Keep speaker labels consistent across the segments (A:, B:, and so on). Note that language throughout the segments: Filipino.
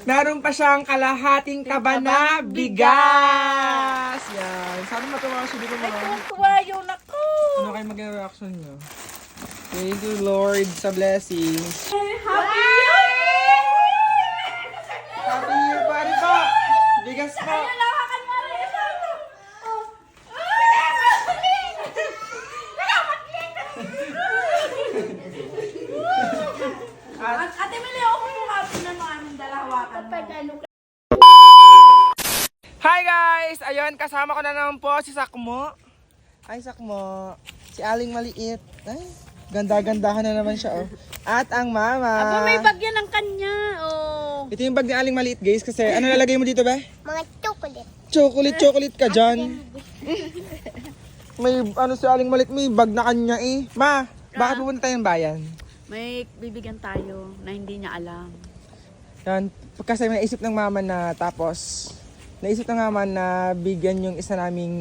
A: Meron pa siyang kalahating taba na bigas. Yan. Sana matuwa siya dito mga.
B: Tuwa yun ako.
A: Ano kayo maging reaction nyo? Thank you, Lord, sa blessings.
B: Happy Year!
A: Happy Year, pare po! Bigas po!
B: Lawakan mo rin ito. Ate Mili, ako yung happy na mga aming dalawakan mo.
A: Hi guys! Ayun, kasama ko na naman po si Sakmo. Hi Sakmo. Si Aling Maliit. Ay, ganda-gandahan na naman siya oh. At ang mama.
B: Aba, may bagyan ng kanya. Oh.
A: Ito yung bag ni Aling Maliit guys kasi ano nalagay mo dito ba?
C: Mga chocolate.
A: Chocolate ka dyan. May ano si Aling Maliit, may bag na kanya eh. Ma, bakit pupunta tayong bayan?
B: May bibigyan tayo na hindi niya alam.
A: Yan, kasi naisip ng mama na naisip ng mama na bigyan yung isa naming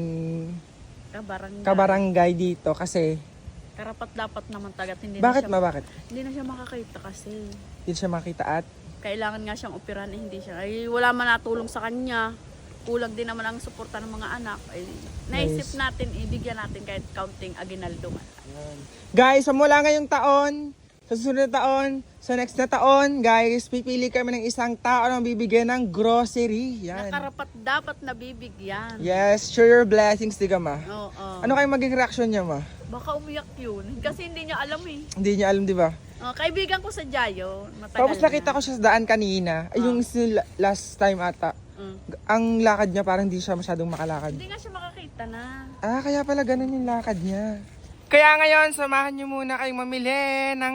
A: kabarangay dito kasi
B: Karapat dapat naman tagat. Hindi
A: bakit
B: na siya,
A: bakit?
B: Hindi na siya makakita kasi.
A: Hindi siya makita at
B: Kailangan nga siyang operahan eh, hindi siya. Ay, wala man natulong sa kanya. Kulang din naman ang suporta ng mga anak. Ay, naisip natin, ibigyan natin kahit counting aginaldo man.
A: guys, mula ngayong taon, sa susunod na taon, sa next na taon, guys, pipili kami ng isang tao na bibigyan ng grocery. Yan.
B: Nakarapat dapat nabibigyan.
A: Yes, share your blessings, diga ma.
B: Oo.
A: Ano kayo maging reaction niya ma?
B: Baka umiyak yun. Kasi hindi niya alam eh.
A: Hindi niya alam, di ba?
B: Kaibigan ko sa Jayo. Matagal
A: Tapos nakita ko siya sa daan kanina. Ay, yung last time ata. Ang lakad niya parang hindi siya masyadong makalakad.
B: Hindi nga siya makakita na.
A: Ah, kaya pala ganun yung lakad niya. Kaya ngayon, samahan niyo muna kayong mamili ng...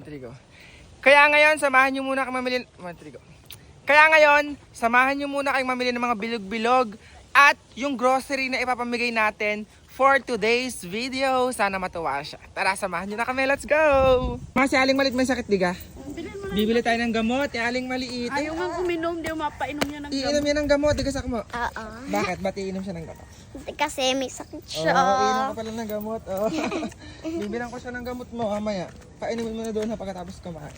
A: Kaya ngayon, samahan niyo muna kayong mamili... Kaya ngayon, samahan niyo muna kayong mamili ng mga bilog-bilog at yung grocery na ipapamigay natin for today's video. Sana matuwa siya. Tara, samahan niyo na kami. Let's go! Mga si Aling Maliit may sakit, diga?
B: Bilhin mo na.
A: Bibili tayo ng gamot. Yung Aling Maliit.
B: Ayaw nga uminom. Di mapainom niya ng
A: Iinom yan ng gamot, diga Sakmo.
C: Oo.
A: Bakit? Ba't iinom siya ng gamot?
C: Kasi may sakit siya.
A: Oo, iinom ka pala ng gamot. Oh. Bibilang ko siya ng gamot mo, mamaya. Painumin mo na doon ha pagkatapos kumain.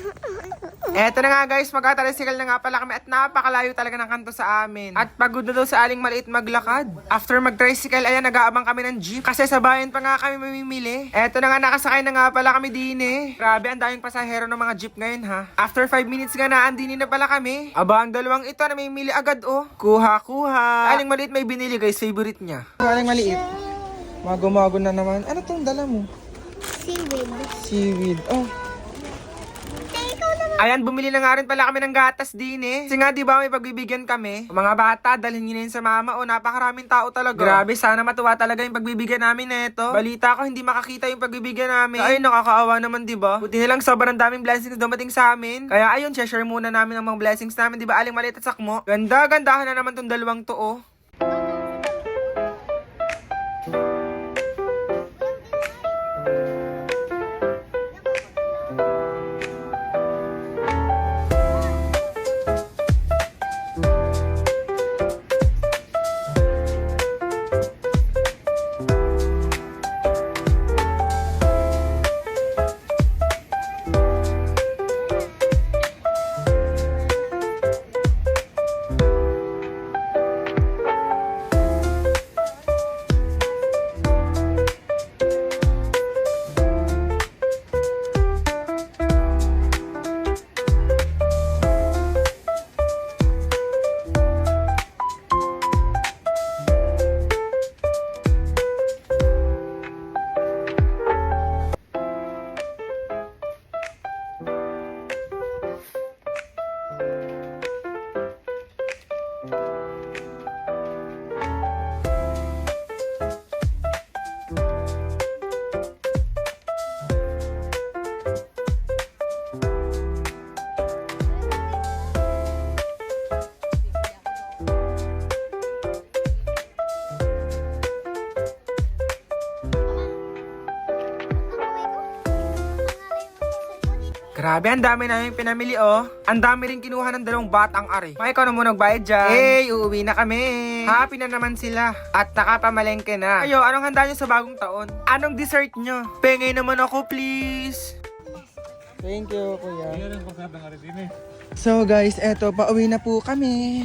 A: Eto na nga guys, magkatalisikal na nga pala kami at napakalayo talaga ng kanto sa amin. At pagod na daw sa Aling Maliit maglakad. After mag-tricycle, ayan, nag-aabang kami ng jeep. Kasi sa bayan pa nga kami mamimili. Eto na nga, nakasakay na nga pala kami din eh. Grabe, ang daming pasahero ng mga jeep ngayon ha. After 5 minutes nga na, andinin na pala kami. Aba, ang dalawang ito na mamimili agad oh. Kuha. Aling Maliit may binili guys, favorite niya. Aling Maliit. Mago-mago na naman. Ano tong dala mo?
C: Seaweed.
A: Seaweed. Oh.
C: Ikaw naman.
A: Ayan, bumili na nga rin pala kami ng gatas din eh. Kasi nga, di ba, may pagbibigyan kami. Mga bata, dalhin nyo na yun sa mama. O, napakaraming tao talaga. Grabe, sana matuwa talaga yung pagbibigyan namin neto. Balita ko, hindi makakita yung pagbibigyan namin. Ay, nakakaawa naman, di ba? Buti nilang sobrang daming blessings dumating sa amin. Kaya ayun, share muna namin ang mga blessings namin. Di ba, Aling Maliit at Sakmo? Ganda-gandahan na naman tong dalawang to, oh. Grabe, ang dami namin pinamili oh. Ang dami rin kinuha ng dalawang batang ari. May ikaw na muna nagbayad dyan. Hey, uuwi na kami. Happy na naman sila. At nakapamalengke na. Ayo, anong handa nyo sa bagong taon? Anong dessert nyo? Pengay naman ako, please. Thank you, kuya. So guys, eto, pauwi na po kami.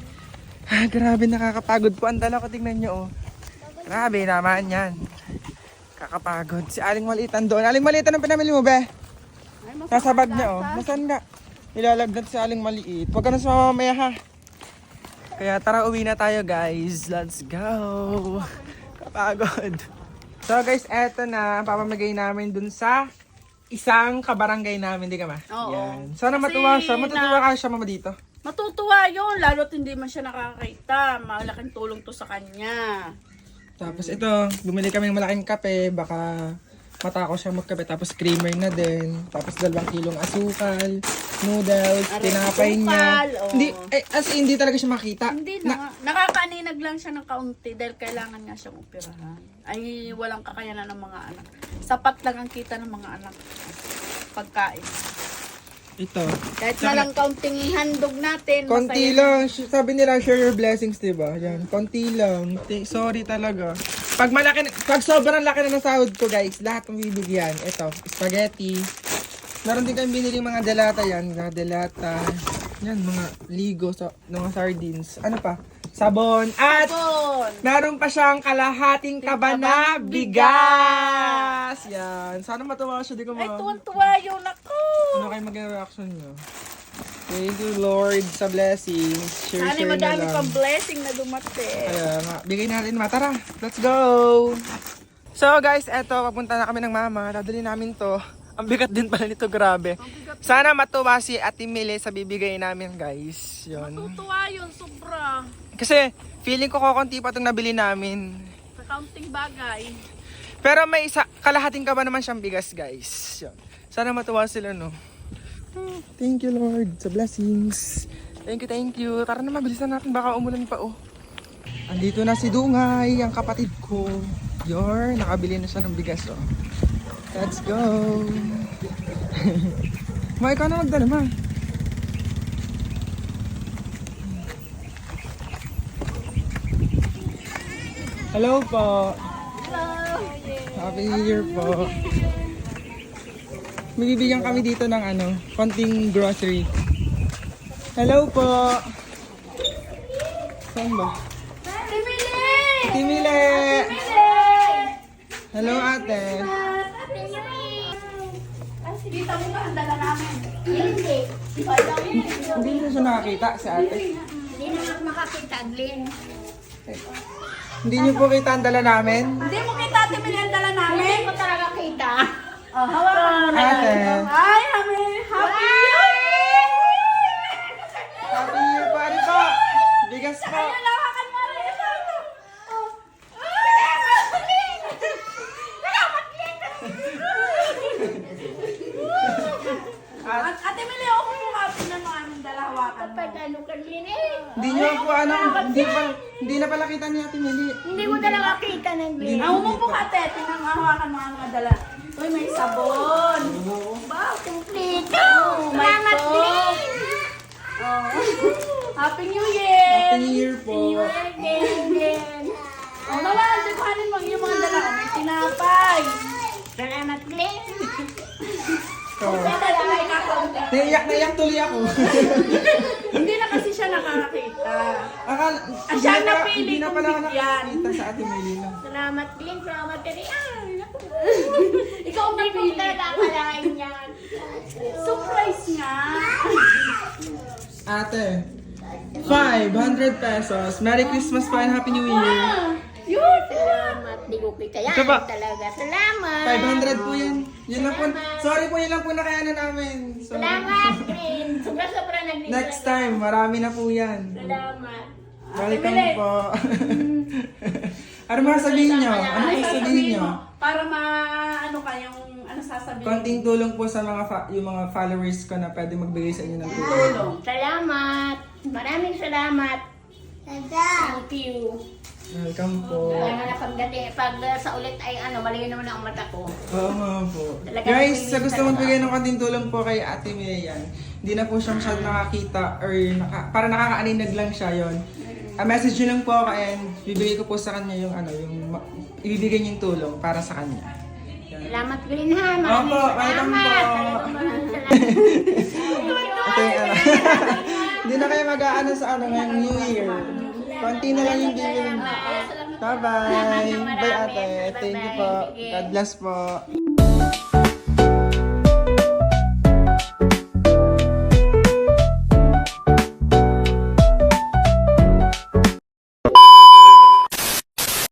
A: Grabe, nakakapagod po ang dala ko. Tingnan nyo, oh. Grabe naman yan. Kakapagod. Si Aling Maliit doon. Aling Maliit, anong pinamili mo, be? Nasa bag niya, oh. Nasaan nga? Nilalagnat si Aling Maliit. Huwag ka na sumama mamaya, ha? Kaya tara, uwi na tayo, guys. Let's go. Kapagod. So guys, eto na. Papamigay namin dun sa isang kabarangay namin, di ka ma?
B: Oo.
A: Yan. Sana
B: Kasi
A: matuwa siya. Matutuwa ka siya, mama, dito.
B: Matutuwa yun, lalo't hindi man siya nakakita. Malaking tulong to sa kanya.
A: Tapos ito, bumili kami ng malaking kape. Baka matako siya magkape. Tapos creamer na din. Tapos 2 kilong asukal, noodles,
B: Aray,
A: tinapay niya.
B: asukal, oo.
A: Hindi, hindi talaga siya makita.
B: Hindi na. Nakakaaninag lang siya ng kaunti dahil kailangan nga siyang operahan. Ay, walang kakayanan ng mga anak. Sapat lang ang kita ng mga anak. Pagkain.
A: Ito.
B: Kahit na lang kaunting handog natin.
A: Konti
B: masaya.
A: lang. Sabi nila, share your blessings, diba? Yan. Konti lang. Sorry talaga. Pag sobrang laki na ng sahod ko, guys, lahat ng bibigyan. Ito, spaghetti. Meron din kami binili mga delata yan. Mga delata. Yan, mga ligo, mga sardines. Ano pa? Sabon. At
B: Sabon.
A: meron pa siyang kalahating taba na bigas. Yan. Sana matuwa siya. Di ko
B: Ay, tuwan-tuwa yun ako.
A: Ano kayo maging reaction nyo? Thank you, Lord, sa blessings. Share
B: Sana
A: na
B: madami
A: lang.
B: pang blessing na dumating.
A: Kaya nga, bigay natin ma. Tara, let's go! So guys, eto, papunta na kami ng mama. Dadali namin to. Ang bigat din pala nito, grabe. Sana matuwa si Ate Mili sa bibigay namin, guys. Yun.
B: Matutuwa yun, sobra.
A: Kasi, feeling ko kokonti pa itong nabili namin.
B: Sa kaunting bagay.
A: Pero may kalahating ka ba naman siyang bigas, guys. Yun. Sana matuwa sila, no? Thank you, Lord, sa blessings. Thank you. Tara na, mabilisan natin. Baka umulan pa, oh. Andito na si Dungay, ang kapatid ko. Nakabili na siya ng bigas, oh. Let's go. Ma, ikaw na magdala, ma. Hello po. Happy New Year po. May bibigyan kami dito ng konting grocery. Hello po. Saan ba? Ate Mili! Hello ate.
B: Dito mo ba ang dala namin?
C: Hindi.
A: Hindi na siya nakakita si ate.
C: Hindi na makakita, Glenn.
A: Hindi niyo po kita ang dala namin?
B: Hindi mo kita timili ang dala namin?
C: Hindi ko talaga kita.
B: Oh, hawakan mo na.
A: Ate.
B: Ay, happy Year!
A: Happy New Year po, ano po? Bigas po.
B: Ayun, hawakan mo rin. Ate Mili, ako po happy na mga aming dala hawakan mo.
C: Pagano ka, Glenn
A: Hindi niyo po hindi na pala kita ni Ate Mili.
C: Hindi mo talaga kita ng Glenn.
B: Ang umupo ka, ate. Tingnan mo, hawakan mo ang mga dala. Uy, may sabon.
C: Wow, kumplito.
B: Oh, my
C: Salamat,
B: God.
C: Glenn.
B: Oh. Happy New Year!
A: Happy New Year po.
C: Glenn.
B: Oh, wala, kuhanin mo yung mga dala. Oh, may tinapay.
C: Salamat, Glenn.
A: So,
B: Ito, may kakaunti.
A: naiyak tuloy ako.
B: Hindi na kasi siya nakakakita.
A: Hindi
B: Siya
A: na
B: napili
A: hindi na
B: kong
A: pala ako
B: bigyan.
A: nakakita sa Ate Mili lang.
C: Salamat, Glenn. Salamat ka rin.
B: Ikaw ang
C: Hindi ko
B: napili.
C: talaga akalain yan.
B: Surprise nga.
A: Ate, 500 pesos. Merry Christmas po and Happy New Year.
B: Yun!
C: Salamat. Di ko kita yan.
A: Ito ba?
C: Talaga. Salamat.
A: 500 po yan. Yun lang po. Sorry po, yun lang po nakayanan namin. So,
C: Salamat, Glenn. Sobra-sobra nag-libre.
A: next time, marami na po yan.
C: Salamat.
A: Welcome
B: Mili.
A: po. Ano mga sabihin nyo? Ano
B: Ay,
A: mga sabihin
B: sasabihin
A: nyo?
B: mo, para ano ka, yung ano sasabihin.
A: Konting tulong po sa yung mga followers ko na pwede magbigay sa inyo ng tulong.
B: Tulong.
C: Salamat. Maraming salamat. Thank you.
A: Welcome po.
C: Kaya nga pagdating, pag sa ulit ay maliit naman ang mata ko.
A: Oo nga po.
C: Talagang
A: Guys, sa
C: tingin
A: gusto
C: talaga.
A: magbigay ng konting tulong po kay Ate Mayan, hindi na po siya masyadong nakakita or para nakakaaninag lang siya yon. Message nyo lang po ako and bibigay ko po sa kanya yung ibibigay niyo yung tulong para sa kanya. Yan.
C: Salamat, Glenn, ha. Maraming
A: Opo, welcome
C: salamat.
A: po.
C: Talagang maraming salamat.
A: Ito yung Hindi na kayo mag-aano sa ano ngayong New Year. Konti na lang yung bibili. Bye-bye. Bye ate. Thank you po. God bless po.